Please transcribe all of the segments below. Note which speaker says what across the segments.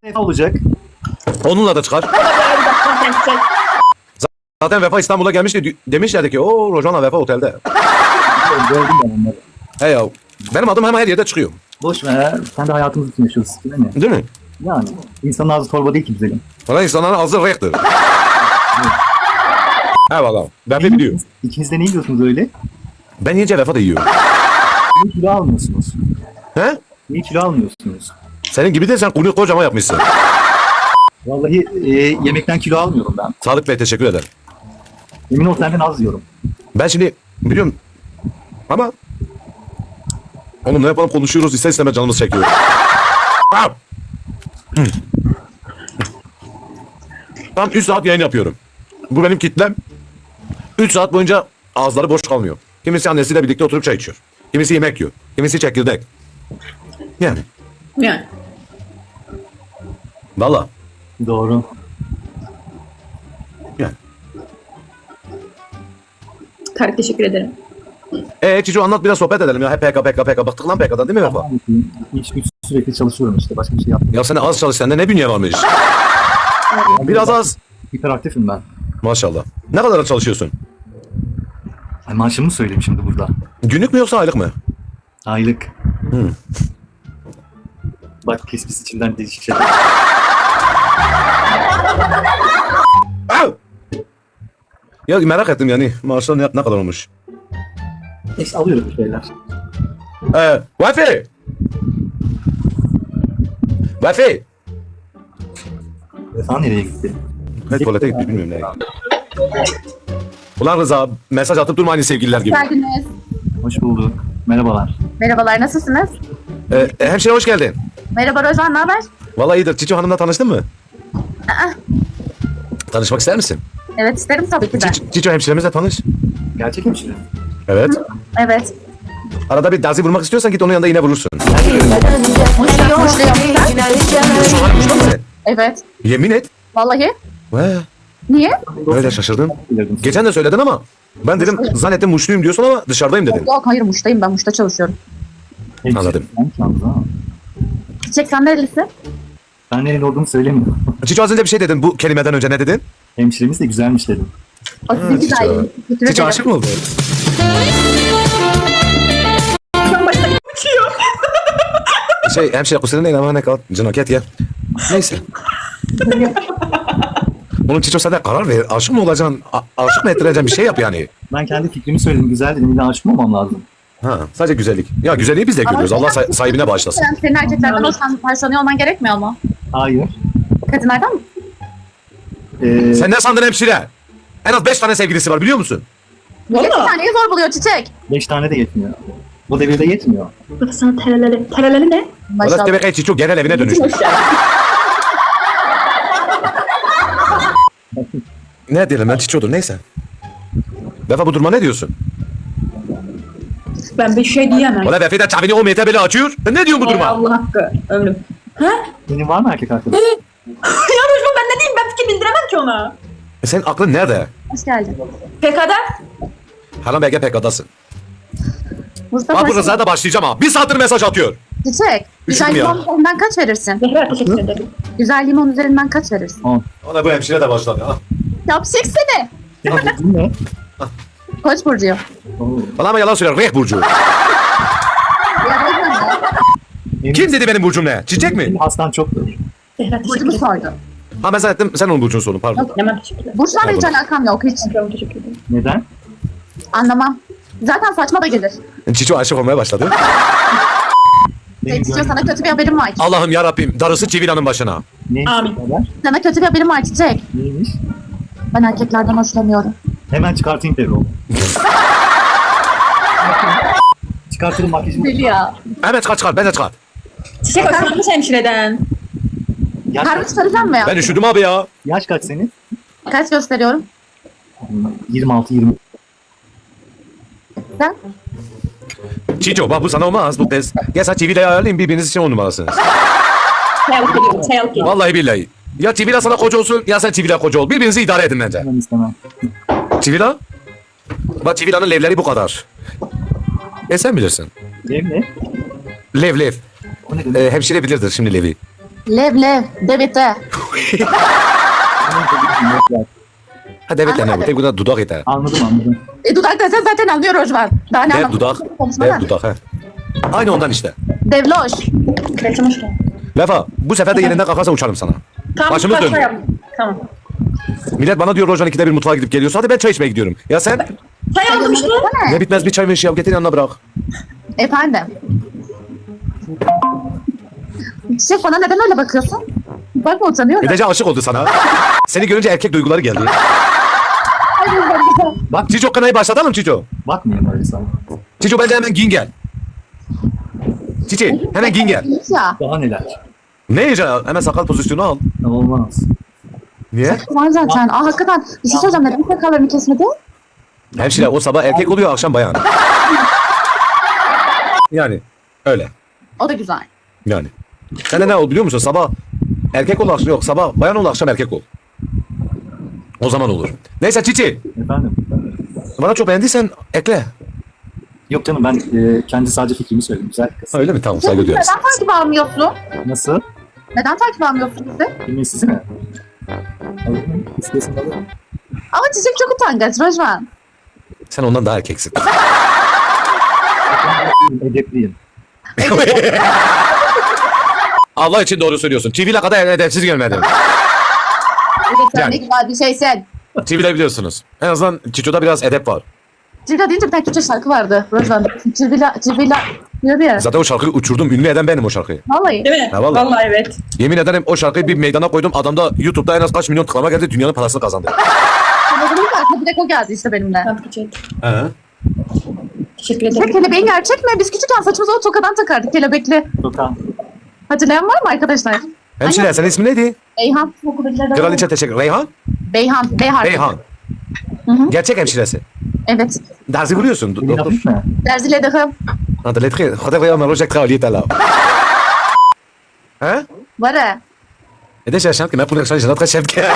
Speaker 1: Ne olacak?
Speaker 2: Onunla da çıkar. Zaten Vefa İstanbul'a gelmişti. Demişlerdi ki o Rojan'la Vefa otelde.
Speaker 1: Gördüm ben onları.
Speaker 2: He ya. Benim adım hemen her yerde çıkıyor.
Speaker 1: Boş ver. Sen de hayatımız için yaşıyorsun değil mi?
Speaker 2: Değil mi?
Speaker 1: Yani. İnsanın ağzı torba değil ki güzelim.
Speaker 2: Falan insanların ağzı renktir. Eyvallah. Ben de biliyorum.
Speaker 1: İkiniz de ne yiyorsunuz öyle?
Speaker 2: Ben yiyince Vefa da yiyor.
Speaker 1: Niye kilo almıyorsunuz?
Speaker 2: He?
Speaker 1: Niye kilo almıyorsunuz?
Speaker 2: Senin gibi de sen kunu kocaman yapmışsın.
Speaker 1: Vallahi yemekten kilo almıyorum ben.
Speaker 2: Sadık Bey teşekkür ederim.
Speaker 1: Emin ol senden az yiyorum.
Speaker 2: Ben şimdi biliyorum ama oğlum ne yapalım konuşuyoruz ister istemez canımız çekiyor. Tam 3 saat yayın yapıyorum. Bu benim kitlem. 3 saat boyunca ağızları boş kalmıyor. Kimisi annesiyle birlikte oturup çay içiyor. Kimisi yemek yiyor. Kimisi çekirdek. Yani.
Speaker 3: Yani.
Speaker 2: Valla.
Speaker 1: Doğru.
Speaker 2: Yani.
Speaker 3: Tarık teşekkür ederim.
Speaker 2: Cicu anlat biraz sohbet edelim ya. Hep PK. Baktık lan PK'dan değil mi Vefa?
Speaker 1: İş güç sürekli çalışıyorum işte. Başka bir şey yapmıyorum.
Speaker 2: Ya sen az çalış sende ne bünye varmış? Biraz az.
Speaker 1: Hiperaktifim ben.
Speaker 2: Maşallah. Ne kadar çalışıyorsun?
Speaker 1: Ay, maaşımı söyleyeyim şimdi burada.
Speaker 2: Günlük mü yoksa aylık mı?
Speaker 1: Aylık. Bak kesmiş içinden değişik şeyler.
Speaker 2: Au! Ya merak ettim yani maaşlar ne kadar olmuş?
Speaker 1: Neyse alıyorum bir şeyler.
Speaker 2: Vefi! Vefi!
Speaker 1: Vefa nereye gitti?
Speaker 2: Ne tuvalete gitti bilmiyorum nereye gitti. Ulan Rıza mesaj atıp durma aynı sevgililer gibi.
Speaker 4: Geldiniz.
Speaker 1: Hoş bulduk. Merhabalar.
Speaker 4: Merhabalar, nasılsınız?
Speaker 2: Hemşire hoş geldin.
Speaker 4: Merhaba Rozan, ne haber?
Speaker 2: Vallahi iyidir. Çiço Hanım'la tanıştın mı? Tanışmak ister misin?
Speaker 4: Evet, isterim tabii ki de.
Speaker 2: Çiço hemşiremizle tanış.
Speaker 1: Gerçek hemşire.
Speaker 2: Evet.
Speaker 4: Evet.
Speaker 2: Arada bir dazi vurmak istiyorsan git onun yanında yine vurursun.
Speaker 4: Muşluyum sen?
Speaker 2: Çiço Hanım muşta mısın?
Speaker 4: Evet.
Speaker 2: Yemin et.
Speaker 4: Vallahi.
Speaker 2: Ve
Speaker 4: Niye?
Speaker 2: öyle şaşırdım.
Speaker 1: Bilirdim.
Speaker 2: Geçen de söyledin ama ben dedim zannettim muşluyum diyorsun ama dışarıdayım dedin.
Speaker 4: Yok, hayır Muş'tayım, ben Muş'ta çalışıyorum.
Speaker 1: Hemşire.
Speaker 2: Anladım.
Speaker 1: Ben yalnız ha.
Speaker 4: Çiçek, sen nerelisin?
Speaker 1: Ben nereli olduğumu söylemiyorum.
Speaker 2: Çiço az önce bir şey dedin bu kelimeden önce ne dedin?
Speaker 1: Hemşiremiz de güzelmiş dedim.
Speaker 4: O sizin
Speaker 2: Çiçek.
Speaker 4: güzelliğiniz. Teşekkür
Speaker 2: Çiço
Speaker 4: ederim.
Speaker 2: aşık mı oldu? Hemşire kusura neyin ama ne kal. Cinaket ya. Neyse. Oğlum Çiço sen de karar ver. Aşık mı olacaksın? Aşık mı ettireceksin bir şey yap yani.
Speaker 1: Ben kendi fikrimi söyledim. Güzel dedim. İlla aşık mı olmam lazım?
Speaker 2: Ha, sadece güzellik. Ya güzelliği biz de görüyoruz. Allah sahibine bağışlasın.
Speaker 4: Senin erkeklerden hoşlanıyor olman gerekmiyor mu?
Speaker 1: Hayır.
Speaker 4: Kadınlardan mı?
Speaker 2: Sen ne sandın hemşire? En az 5 tane sevgilisi var biliyor musun?
Speaker 4: Bir taneyi zor buluyor Çiçek.
Speaker 1: 5 tane de yetmiyor. Bu devirde yetmiyor.
Speaker 3: Bu da sana tereleli. Tereleli ne?
Speaker 2: Orası
Speaker 4: Maşallah.
Speaker 2: demek ki Çiço genel evine dönüştü. Ne diyelim ben Çiço'dur neyse. Vefa bu duruma ne diyorsun?
Speaker 3: Ben bir şey diyemem.
Speaker 2: Valla Vefa da çavini o mete böyle açıyor. Ne diyorsun bu duruma?
Speaker 3: Allah hakkı ömrüm. Ha?
Speaker 1: Senin var mı erkek arkadaş?
Speaker 3: Ya Rojma ben ne diyeyim, ben fikir bildiremem ki ona.
Speaker 2: Senin aklın nerede?
Speaker 4: Hoş geldin.
Speaker 3: PK'da?
Speaker 2: Haram belge PK'dasın.
Speaker 4: Mustafa,
Speaker 2: Bak bu Rıza'ya da başlayacağım ha. Bir saattir mesaj atıyor.
Speaker 4: Çiçek, güzel
Speaker 2: Üşüdüm ya.
Speaker 4: limon üzerinden kaç verirsin?
Speaker 3: Zehra teşekkür ederim.
Speaker 4: Güzel limon üzerinden kaç verirsin?
Speaker 2: Ona bu hemşire de başladı ha.
Speaker 4: Yapacak seni.
Speaker 1: Senin dediğin ne?
Speaker 4: Koç burcu.
Speaker 1: Oo.
Speaker 2: Bana ama yalan söylüyor. Reh burcu. Kim dedi benim burcum ne? Çiçek mi?
Speaker 1: Senin hastan çoktur.
Speaker 3: Zehra teşekkür
Speaker 4: Burcumu
Speaker 3: ederim.
Speaker 4: sordu.
Speaker 2: Ha ben zannettim sen onun burcunu sordun pardon.
Speaker 3: Hemen teşekkürler.
Speaker 4: Burçlarla hiç alakam yok, hiç.
Speaker 3: Teşekkür ederim.
Speaker 1: Neden?
Speaker 4: Anlamam. Zaten saçma da gelir.
Speaker 2: Çiço aşık olmaya başladı.
Speaker 4: Çiçek, sana kötü bir haberim var.
Speaker 2: Allah'ım ya Rabbim darısı Çivila'nın başına.
Speaker 1: Ne?
Speaker 3: Amin.
Speaker 1: Haber?
Speaker 4: Sana kötü bir haberim var Çiçek.
Speaker 1: Neymiş?
Speaker 4: Ben erkeklerden hoşlanıyorum.
Speaker 1: Hemen çıkartayım Devro. Çıkartırım makyajımı.
Speaker 4: Deli ya.
Speaker 2: Hemen çıkar ben de çıkar.
Speaker 3: Çiçek hoşlanmış hemşireden.
Speaker 1: Yaş
Speaker 4: Harbi
Speaker 1: kaç,
Speaker 4: çıkaracağım mı ya?
Speaker 2: Ben üşüdüm abi ya.
Speaker 1: yaş kaç senin?
Speaker 4: Kaç gösteriyorum?
Speaker 1: 26-20.
Speaker 4: Sen?
Speaker 2: Çiço bak bu sana olmaz bu tez. Gel sen Çivila'yı ayarlayın birbiriniz için 10 numarasınız.
Speaker 3: Çay alıp geliyorum. Çay alıp geliyorum.
Speaker 2: Vallahi billahi. Ya Çivila sana koca olsun ya sen Çivila koca ol. Birbirinizi idare edin bence.
Speaker 1: Ben istemem.
Speaker 2: Çivila? Bak Çivila'nın levleri bu kadar. Sen bilirsin.
Speaker 1: Benim ne?
Speaker 2: Lev.
Speaker 1: O ne demek?
Speaker 2: Hemşire bilirdir şimdi levi.
Speaker 4: Lev. Devete.
Speaker 2: Ha evet ne bu? Tek bu da dudak yeter.
Speaker 1: Anladım.
Speaker 4: Dudak desen zaten anlıyor Rojvan. Daha ne
Speaker 2: Dev
Speaker 4: anlatayım?
Speaker 2: dudak.
Speaker 4: Konuşma
Speaker 2: Dev
Speaker 4: lan.
Speaker 2: dudak ha. Aynı ondan işte.
Speaker 4: Devloş.
Speaker 3: Kraliçem hoş geldin.
Speaker 2: Vefa bu sefer de yerinden kalkarsa uçarım sana.
Speaker 3: Tamam,
Speaker 2: Başımız
Speaker 3: kaçma
Speaker 2: döndü.
Speaker 3: yap. Tamam.
Speaker 2: Millet bana diyor Rojan 2'de bir mutfağa gidip geliyorsun. Hadi ben çay içmeye gidiyorum. Ya sen?
Speaker 3: Çay aldım işte.
Speaker 2: Ne bitmez bir çay ve şey yap getir yanına bırak.
Speaker 4: Efendim. Çiçek bana neden öyle bakıyorsun? Bakma utanıyorum.
Speaker 2: Ödece aşık oldu sana. Seni görünce erkek duyguları geldi. Bak Cico kanayı başlatalım Cico.
Speaker 1: Bakmayayım öyle sana.
Speaker 2: Cico bence hemen giyin gel. Cici hemen giyin gel.
Speaker 4: Ya.
Speaker 1: Daha neler?
Speaker 2: Ne yiyeceksin? Hemen sakal pozisyonu al.
Speaker 1: Olmaz.
Speaker 2: Niye?
Speaker 4: Var zaten. Hakikaten. Bir şey söyleyeceğim. Neden sakallarını kesmedi?
Speaker 2: Hemşire o sabah erkek oluyor akşam bayan. Yani öyle.
Speaker 4: O da güzel.
Speaker 2: Yani. Sen de ne ol biliyor musun? Sabah erkek ol akşam yok. Sabah bayan ol akşam erkek ol. O zaman olur. Neyse Cici.
Speaker 1: Efendim?
Speaker 2: Bana çok beğendiysen ekle.
Speaker 1: Yok canım ben kendi sadece fikrimi söyledim. Güzel bir kız.
Speaker 2: Öyle mi? Tamam saygı duyarız.
Speaker 4: Neden takip almıyorsun?
Speaker 1: Nasıl?
Speaker 4: Neden takip almıyorsun bizi?
Speaker 1: Bilmeyi sizi mi? Alırım. İstesin alırım.
Speaker 4: Ama Çiçek çok utangaç Rojvan.
Speaker 2: Sen ondan daha erkeksin.
Speaker 1: Edepliyim.
Speaker 2: Allah için doğru söylüyorsun. TV'yle kadar edepsiz görmedim.
Speaker 4: Evet sen
Speaker 2: Yani.
Speaker 4: ne güzel bir şeysin.
Speaker 2: TV'de biliyorsunuz. En azından Çiço'da biraz edep var.
Speaker 4: Cirvila deyince bir tane Türkçe şarkı vardı Rojvan. Cirvila diyordu ya.
Speaker 2: Zaten o şarkıyı uçurdum. Ünlü eden benim o şarkıyı.
Speaker 4: Vallahi.
Speaker 3: Değil mi?
Speaker 2: Ha, vallahi.
Speaker 3: Vallahi evet.
Speaker 2: Yemin ederim o şarkıyı bir meydana koydum. Adamda YouTube'da en az kaç milyon tıklama geldi. Dünyanın parasını kazandı.
Speaker 4: Aklıma direkt o geldi işte benimle.
Speaker 3: Hadi çek.
Speaker 2: He.
Speaker 3: Teşekkür
Speaker 4: Çiçek
Speaker 3: ederim.
Speaker 4: kelebeğin gerçek mi? Biz küçükken saçımıza o tokadan takardık kelebekli.
Speaker 1: Tokan.
Speaker 4: Hatırlayan var mı arkadaşlar?
Speaker 2: Hemşire senin ismin neydi?
Speaker 4: Beyhan.
Speaker 2: Kraliçe teşekkür. Reyhan?
Speaker 4: Beyhan. Beyhan.
Speaker 2: Reyhan.
Speaker 4: hı.
Speaker 2: Gerçek hemşiresi.
Speaker 4: Evet.
Speaker 2: Dersi vuruyorsun.
Speaker 1: Elin hafif mi?
Speaker 4: Derzile dahım.
Speaker 2: Hadi lettre. Hadi Reyhan Roja kraliyet là. Hein?
Speaker 4: Var ya.
Speaker 2: Et déjà, je chante que ma première chanson, j'ai notre chef qui...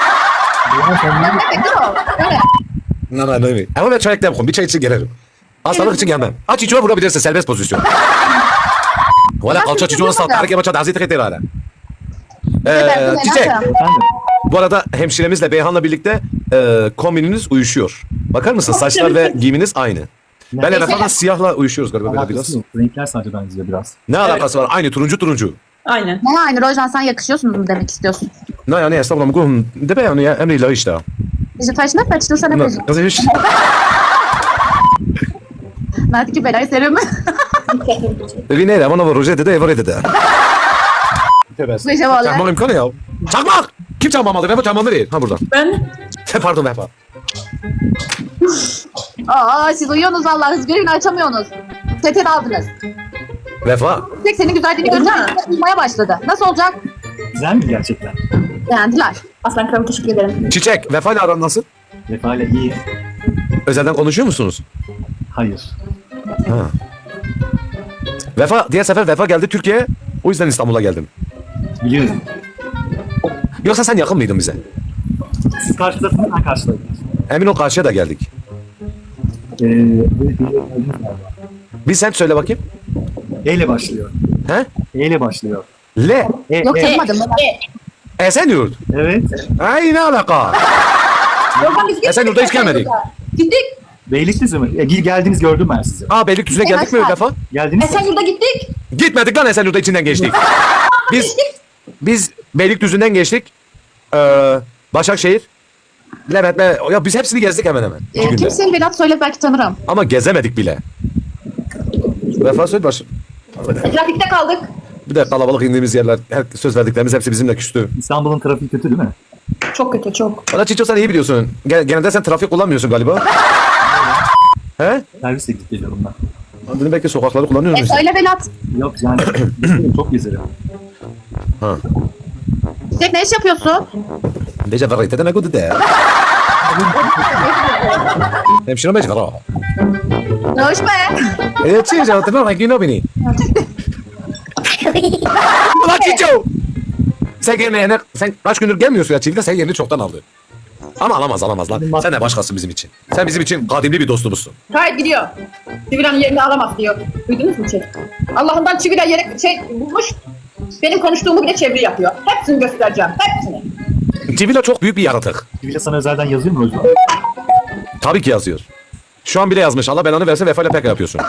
Speaker 2: Non, non, non. Ama ben çay eklerim. Bir çay için gelirim. Hastalık için gelmem. Aç içime vurabilirsin. Serbest pozisyon. Valla kalça çiçeğine saltarak yapacak. Hazreti Kreteri hala. Çiçek.
Speaker 1: Efendim?
Speaker 2: Bu arada hemşiremizle Beyhan'la birlikte kombininiz uyuşuyor. Bakar mısın? Saçlar ve giyiminiz aynı. Ben Efe'den siyahla uyuşuyoruz galiba böyle biraz.
Speaker 1: Alakası yok. Renkler sadece benziyor biraz.
Speaker 2: Ne alakası var? Aynı turuncu.
Speaker 3: Aynen.
Speaker 4: Ne aynı Rojvan sen yakışıyorsun mu demek istiyorsun?
Speaker 2: Ne yani estağfurullah. Kum. De be yani emri ilahi işte.
Speaker 4: Bizi taşına kaçtın sen hep.
Speaker 2: Kızı hiç.
Speaker 4: Nerede ki belayı serum.
Speaker 2: Rinera, bana var Roja dedi, Evore dedi.
Speaker 4: Gece vallahi.
Speaker 2: Çakmak imkanı ya. Çakmak! Kim çakmamalı? Vefa çakmamı değil. Ha buradan.
Speaker 3: Ben
Speaker 2: Pardon Vefa.
Speaker 4: Aa siz uyuyorsunuz vallahi hız görün açamıyorsunuz. Sete aldınız.
Speaker 2: Vefa.
Speaker 4: Tek senin güzelliğini görünce
Speaker 3: Olmaz.
Speaker 4: uyumaya başladı. Nasıl olacak?
Speaker 1: Güzel mi gerçekten?
Speaker 4: Beğendiler.
Speaker 3: Aslan Kralım teşekkür ederim.
Speaker 2: Çiçek, Vefa ile aran nasıl?
Speaker 1: Vefa ile iyi.
Speaker 2: Özelden konuşuyor musunuz?
Speaker 1: Hayır.
Speaker 2: Ha. Vefa, diğer sefer Vefa geldi Türkiye'ye. O yüzden İstanbul'a geldim.
Speaker 1: Biliyorum.
Speaker 2: Yoksa sen yakın mıydın bize?
Speaker 1: Siz karşıdasınız, ben karşıdayım.
Speaker 2: Emin ol karşıya da geldik.
Speaker 1: Böyle bir gördünüz galiba.
Speaker 2: Bir sen söyle bakayım.
Speaker 1: E ile başlıyor.
Speaker 2: He?
Speaker 1: E ile başlıyor.
Speaker 2: Le.
Speaker 4: Yok tanımadım.
Speaker 2: Esenyurt.
Speaker 1: Evet.
Speaker 2: Ay ne alaka?
Speaker 3: Yorgan biz
Speaker 2: Esenyurt'a hiç gelmedik.
Speaker 3: Gittik.
Speaker 1: Beylikdüzü mü? Geldiniz gördüm ben sizi.
Speaker 2: Aa Beylikdüzü'ne geldik mi Vefa?
Speaker 1: Geldiniz.
Speaker 3: Esenyurt'ta gittik.
Speaker 2: Gitmedik lan Esenyurt'a içinden geçtik. Biz Beylikdüzü'nden geçtik. Başakşehir. Levent ya biz hepsini gezdik hemen hemen. 2 günde.
Speaker 4: Kimsenin Velat söyle belki tanırım.
Speaker 2: Ama gezemedik bile. Vefa söyle baş.
Speaker 3: Trafikte kaldık.
Speaker 2: Bir de kalabalık indiğimiz yerler, söz verdiklerimiz hepsi bizimle küstü.
Speaker 1: İstanbul'un trafiği kötü değil mi?
Speaker 3: Çok kötü çok.
Speaker 2: Valla Çiço sen iyi biliyorsun. Genelde sen trafik kullanmıyorsun galiba. He?
Speaker 1: Servisle gidip geliyorum ben.
Speaker 2: Dedim belki sokakları kullanıyorsun. işte.
Speaker 4: Söyle Velat.
Speaker 1: Yok yani çok gezerim.
Speaker 2: Ha.
Speaker 4: Çiçek ne iş yapıyorsun?
Speaker 2: Deja verite de ne kudu de. Hemşire mecbur ha.
Speaker 4: Hoş be.
Speaker 2: Çiço hatırlar mı? Günü beni. Ulan Çiço! Sen gelmeyene, sen kaç gündür gelmiyorsun ya Çiğli'de sen yerini çoktan aldı. Ama alamaz lan. Sen de başkasın bizim için. Sen bizim için kadimli bir dostumuzsun.
Speaker 3: Gayet gidiyor. Çivilen yerini alamaz diyor. Duydunuz mu şey? Allah'ından çivilen yere bulmuş. Benim konuştuğumu bile çeviri yapıyor. Hepsini göstereceğim. Hepsini.
Speaker 2: Civila çok büyük bir yaratık.
Speaker 1: Biri sana özelden yazıyor mu Rojvan?
Speaker 2: Tabii ki yazıyor. Şu an bile yazmış. Allah belanı versin vefayla pek yapıyorsun.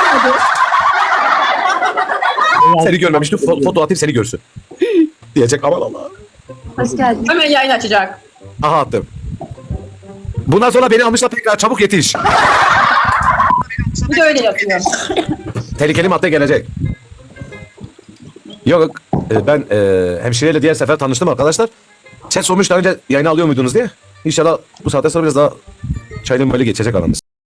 Speaker 2: Seni görmemiştim. Foto atayım seni görsün. Diyecek aman Allah.
Speaker 4: Hoş geldin.
Speaker 3: Hemen yayın açacak.
Speaker 2: Aha attım. Bundan sonra beni almışlar tekrar çabuk yetiş.
Speaker 3: Bir de öyle yapıyor.
Speaker 2: Tehlikeli madde gelecek. Yok ben hemşireyle diğer sefer tanıştım arkadaşlar. Chat sormuş daha önce yayına alıyor muydunuz diye. İnşallah bu saatte sonra biraz daha çaylı böyle geçecek aramız.